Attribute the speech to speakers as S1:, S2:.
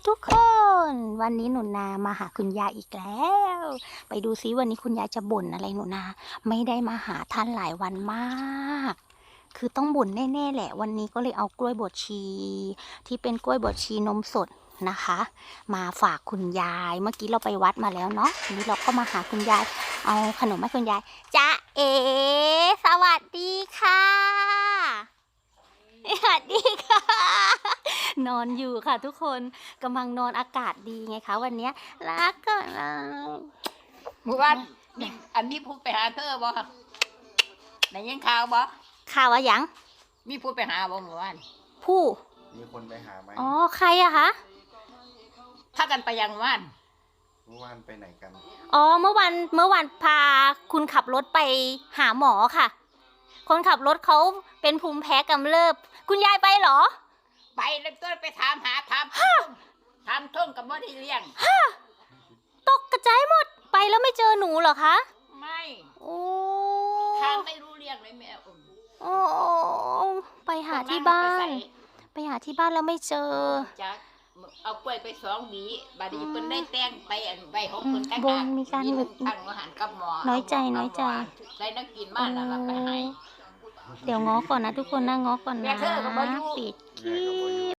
S1: ทุกคนวันนี้หนูนามาหาคุณยายอีกแล้วไปดูซิวันนี้คุณยายจะบ่นอะไรหนูนาไม่ได้มาหาท่านหลายวันมากคือต้องบ่นแน่ๆแหละวันนี้ก็เลยเอากล้วยบดชีที่เป็นกล้วยบดชีนมสดนะคะมาฝากคุณยายเมื่อกี้เราไปวัดมาแล้วเนาะทีนี้เราก็มาหาคุณยายเอาขนมให้คุณยายจ๊ะเอ๋สวัสดีค่ะสวัสดีค่ะนอนอยู่ค่ะทุกคนกำลังนอนอากาศดีไงคะวันนี้รักก็
S2: เมื่อวานนี่อันนี้พูดไปหาเธอบ่ไหนยังข่าวบ่
S1: ข่าวอะไรยัง
S2: มีพูดไปหาบ่เมื่อวาน
S1: ผู้
S3: มีคนไปหาไหม
S1: อ๋อใครอะคะ
S2: ถ้ากันไปยังว่าน
S3: เมื่อวานไปไหนกัน
S1: อ๋อเมื่อวันพาคุณขับรถไปหาหมอค่ะคนขับรถเขาเป็นภูมิแพ้กำเริบคุณยายไปเหรอ
S2: ไปแล้วตัวไปถามหาถามท่งกับบ่ได้เลี้ยง
S1: ตกกระจายหมดไปแล้วไม่เจอหนูเหรอคะ
S2: ไม่
S1: โอ้
S2: ทางไม่รู้เรื่องเลยแม่
S1: โอ้ไปหาที่บ้านไปหาที่บ้านแล้วไม่เจอ
S2: จักเอากล้วยไป2 หวีบัดนี้เพิ่นได้แต่งไปอันใบของเพิ่น
S1: บนมีการหลุด
S2: ตั้งอาหารกับหมอ
S1: น้อยใจ
S2: ใส่นักกินมาแล้วไปให้
S1: เดี๋ยวง้อก่อนนะทุกคนนะง้อก่อนนะปิดคลิป